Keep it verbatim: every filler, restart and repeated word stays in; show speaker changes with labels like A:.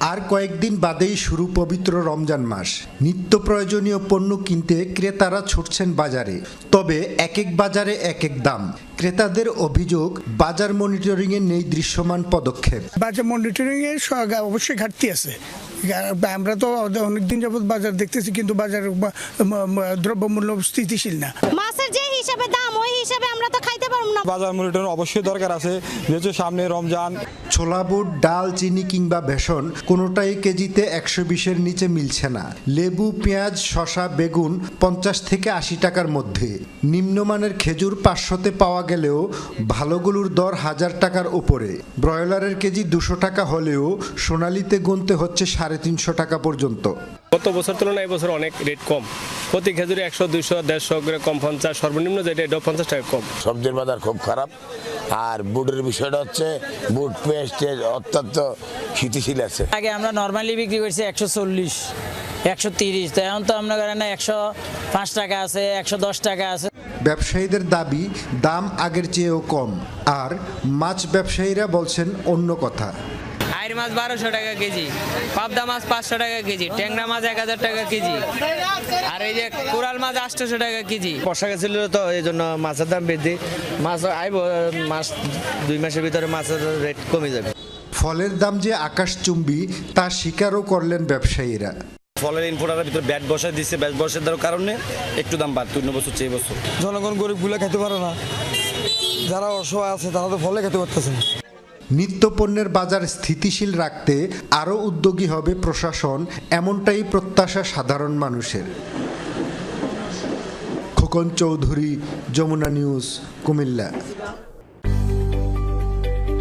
A: আর কয়েকদিন বাদেই শুরু পবিত্র রমজান মাস। নিত্য প্রয়োজনীয় পণ্য কিনতে ক্রেতারা ছুটছেন বাজারে, তবে এক এক বাজারে এক এক দাম। ক্রেতাদের অভিযোগ, বাজার মনিটরিংয়ে নেই দৃশ্যমান পদক্ষেপ।
B: বাজার মনিটরিংয়ে অবশ্যই ঘাটতি আছে। আমরা তো অনেকদিন যাবত বাজার দেখতেছি, কিন্তু বাজার দ্রব্যমূল্য স্থিতিশীল না।
C: মাছের যে হিসাবে দাম, ওই হিসাবে আমরা তো খাইতে পারবো না।
D: বাজার মনিটরিং অবশ্যই দরকার আছে, যেহেতু সামনে রমজান।
A: ছোলা বুট, ডাল, চিনি কিংবা বেসন কোনোটাই কেজিতে একশো বিশের নিচে মিলছে না। লেবু, পেঁয়াজ, শসা, বেগুন পঞ্চাশ থেকে আশি টাকার মধ্যে। নিম্নমানের খেজুর পাঁচশোতে পাওয়া গেলেও ভালোগুলোর দর হাজার টাকার উপরে। ব্রয়লারের কেজি দুশো টাকা হলেও সোনালিতে গুনতে হচ্ছে সাড়ে তিনশো টাকা পর্যন্ত।
E: গত বছর তুলনায় এই বছর অনেক রেট কম। প্রতি খেজুরে একশো দুইশো দেড়শো করে কম, পঞ্চাশ সর্বনিম্ন যেটা এটা পঞ্চাশ টাকা কম।
F: সবজির বাজার খুব খারাপ। আর বুটের বিষয়টা হচ্ছে বুট পেস্টের অত্যন্ত স্থিতিশীল আছে।
G: আগে আমরা নর্মালি বিক্রি করছি একশো চল্লিশ একশো তিরিশ, তো এখন তো আমরা করেন না একশো পাঁচ টাকা আছে, একশো দশ টাকা আছে।
A: ব্যবসায়ীদের দাবি, দাম আগের চেয়েও কম। আর মাছ ব্যবসায়ীরা বলছেন অন্য কথা।
H: আইর মাছ বারোশো টাকা কেজি, পাবদা মাছ পাঁচশো টাকা কেজি, ট্যাংরা মাছ এক হাজার টাকা কেজি, আর এই যে কোরাল মাছ আটশোশো টাকা কেজি।
I: বর্ষা গেছিল তো, এই জন্য মাছের দাম বৃদ্ধি। মাছ আইব মাস দুই মাসের ভিতরে মাছের রেট কমে যাবে।
A: ফলের দাম যে আকাশচুম্বী তা স্বীকারও করলেন ব্যবসায়ীরা।
I: ফলের ইনপুটের ভিতরে ব্যাট বসায় দিচ্ছে, ব্যাট বসায় দেওয়ার কারণে একটু দাম বাড়তো অন্য বছর চেয়ে বছর।
D: জনগণ গরিবগুলো খেতে পারে না, যারা অসহায় আছে তারা তো ফলে খেতে পারতেছে না।
A: নিত্যপণ্যের বাজার স্থিতিশীল রাখতে আরও উদ্যোগী হবে প্রশাসন, এমনটাই প্রত্যাশা সাধারণ মানুষের। খোকন চৌধুরী, যমুনা নিউজ, কুমিল্লা।